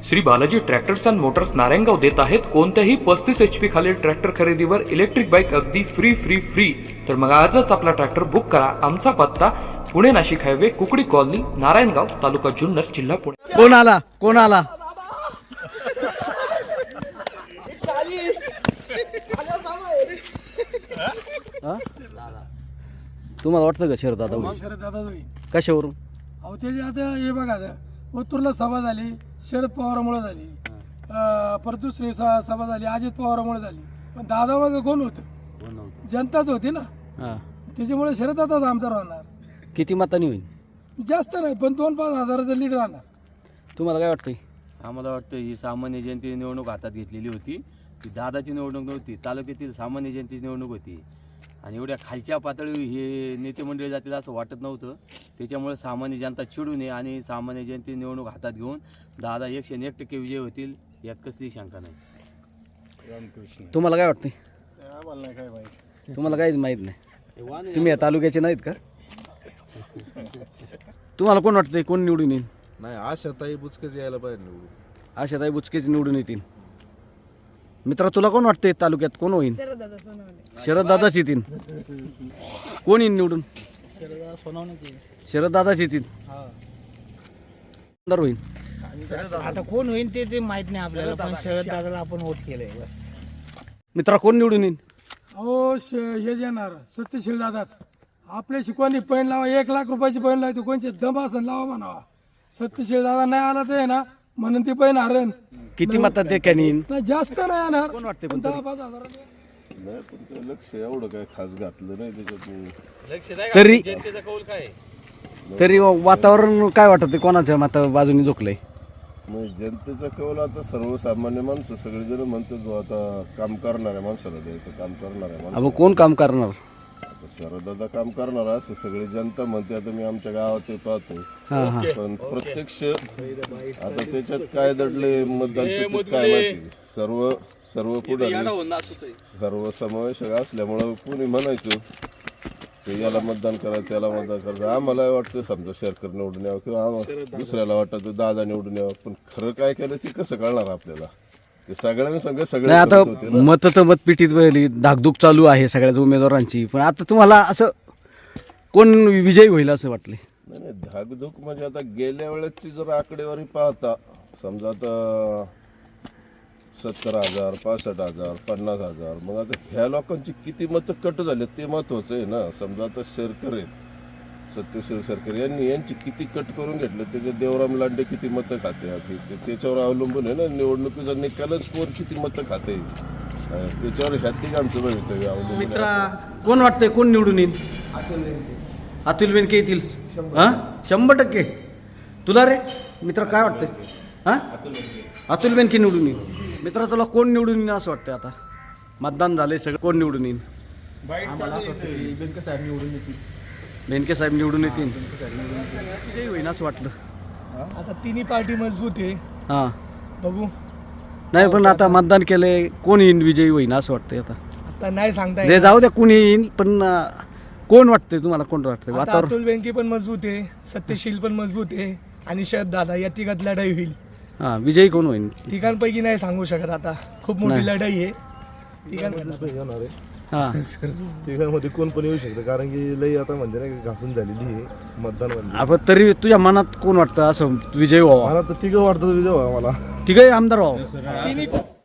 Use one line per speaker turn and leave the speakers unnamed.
Shri Balaji tractors and motors Narayangaon देत आहेत कोणत्याही 35 HP खालील ट्रॅक्टर खरेदीवर इलेक्ट्रिक बाईक अगदी फ्री। तर मग आजच आपला ट्रॅक्टर बुक करा। आमचा पत्ता पुणे नाशिक हायवे कुकडी कॉलनी नारायणगाव तालुका जुन्नर जिल्हा पुणे।
कोण आला तुम्हाला वाटतं का शरद दादा
शरद दादा
कशावरून?
अहो त्याची आता हे बघा आता ओतूरला सभा झाली, शरद पवारामुळे झाली, परत दुसरी सभा झाली अजित पवारामुळे झाली, पण दादा मग कोण होतं? जनताच होती ना, त्याच्यामुळे शरद दादा आमचा राहणार।
किती मतांनी होईल?
जास्त नाही पण 2-5 हजाराचं लीड राहणार।
तुम्हाला काय वाटतंय?
आम्हाला वाटतं ही सामान्य जनतेची निवडणूक हातात घेतलेली होती, ती दादाची निवडणूक नव्हती, तालुक्यातील सामान्य जनतेची निवडणूक होती आणि एवढ्या खालच्या पातळीवर हे नेते मंडळी जातील असं वाटत नव्हतं। त्याच्यामुळे सामान्य जनता चिडू नये आणि सामान्य जनतेची निवडणूक हातात घेऊन दादा 101% विजय होतील यात कसली शंका नाही।
तुम्हाला काय वाटतंय? तुम्हाला काहीच माहित नाही, तुम्ही या तालुक्याचे नाहीत का? तुम्हाला कोण वाटतंय कोण निवडून येईल?
नाही, आशाताई बुचकेच यायला पाहिजे निवडून।
आशाताई बुचकेच निवडून येतील। मित्रा तुला कोण वाटतंय तालुक्यात कोण होईल? शरद दादाच येतील। कोण येईल निवडून? शरद दादाच येतील। होईल
आता कोण होईल ते माहित नाही आपल्याला, पण शरद दादाला आपण वोट केलंय बस।
मित्रा कोण निवडून येईल?
अहो हे येणार सत्यशील दादाच। आपल्या शिकवणी पैन लावा, 1 लाख रुपयाची पैन लावतो, कोणचे दम असन लावा म्हणावा। सत्यशील दादा नाही आला तर आहे ना म्हणून ती पैन हरण।
किती मतात ते कॅनीन?
नाही जास्त नाही येणार,
कोण वाटते?
10-5 हजार
नाही, पण ते लक्ष एवढं काय खास घातलं नाही त्याच्यात।
तरी
जनतेचा कौल काय?
तरी वातावरण काय वाटत कोणाच्या मता बाजूने झोकलंय?
नाही, जनतेचा कौल आता सर्वसामान्य माणसं सगळेजण म्हणतात बुवा आता काम करणाऱ्या माणसाला द्यायचं, काम करणाऱ्या माणसाला।
अब कोण काम करणार?
आता शरदादा काम करणार असं सगळी जनता म्हणते। आता मी आमच्या गावात ते पाहतो, पण प्रत्यक्ष आता त्याच्यात काय दडले मतदान पेटीत काय माहिती। सर्व पुढे सर्व समावेशक असल्यामुळं कोणी म्हणायचं ते याला मतदान करा त्याला मतदान करायचं। आम्हाला वाटतं समजा शेरकर निवडून यावं किंवा आम्हाला दुसऱ्याला वाटतं दादा निवडून यावं, पण खरं काय केलं ते कसं कळणार आपल्याला? ते सगळ्यांनी सगळे
नाही, आता मत तर मतपेटीत पहिली धाकधूक चालू आहे सगळ्याच उमेदवारांची, पण आता तुम्हाला असं कोण विजयी होईल असं वाटले?
नाही, धाकधूक म्हणजे आता गेल्या वेळेसची जर आकडेवारी पाहता समजा आता 70,000, 65,000, 50,000, मग आता ह्या लोकांची किती मतं कट झाले ते महत्वाचं आहे ना। समजा आता शेरकर आहेत, सत्यशील शेरकर यांची किती कट करून घेतलं, त्याचे देवराम लांडे किती मतं खाते त्याच्यावर अवलंबून आहे ना निवडणुकीचा निकालच कोण किती मतं खाते त्याच्यावर ह्यात आमचं भवितव्य अवलंबून।
मित्रा कोण वाटतंय कोण निवडून येईल? अतुल बेनके येतील 100%। तुला रे मित्र काय वाटतंय? अतुल बेनके निवडून येईल। मित्रा तुला कोण निवडून येईल असं वाटतंय? आता मतदान झालंय सगळं, कोण निवडून येईल? बेनके साहेब निवडून येतील। विजयी होईल असं वाटलं?
आता तिन्ही पार्टी मजबूत आहे,
हां
बघू।
नाही पण आता मतदान केलंय, कोण येईल विजयी होईल असं वाटतंय?
आता नाही सांगता
ते जाऊ द्या कोणी येईल, पण कोण वाटतंय तुम्हाला? कोण वाटतंय
आता
वातावरण?
अतुल बेनके पण मजबूत आहे, सत्यशील पण मजबूत आहे आणि शरद दादा या तिघात लढाई होईल।
हां, विजयी कोण होईल?
तिघांपैकी नाही सांगू शकत, आता खूप मोठी लढाई आहे
हां
तिघांमध्ये कोण पण येऊ शकतं, कारण की लई आता म्हणजे नाही घासून झालेली आहे मतदान म्हणजे।
आपण तरी तुझ्या मनात कोण वाटतं असं विजय व्हावा?
मला तर तिघं वाटतं विजय व्हावा मला।
तिघही आमदार व्हावं?
तिन्ही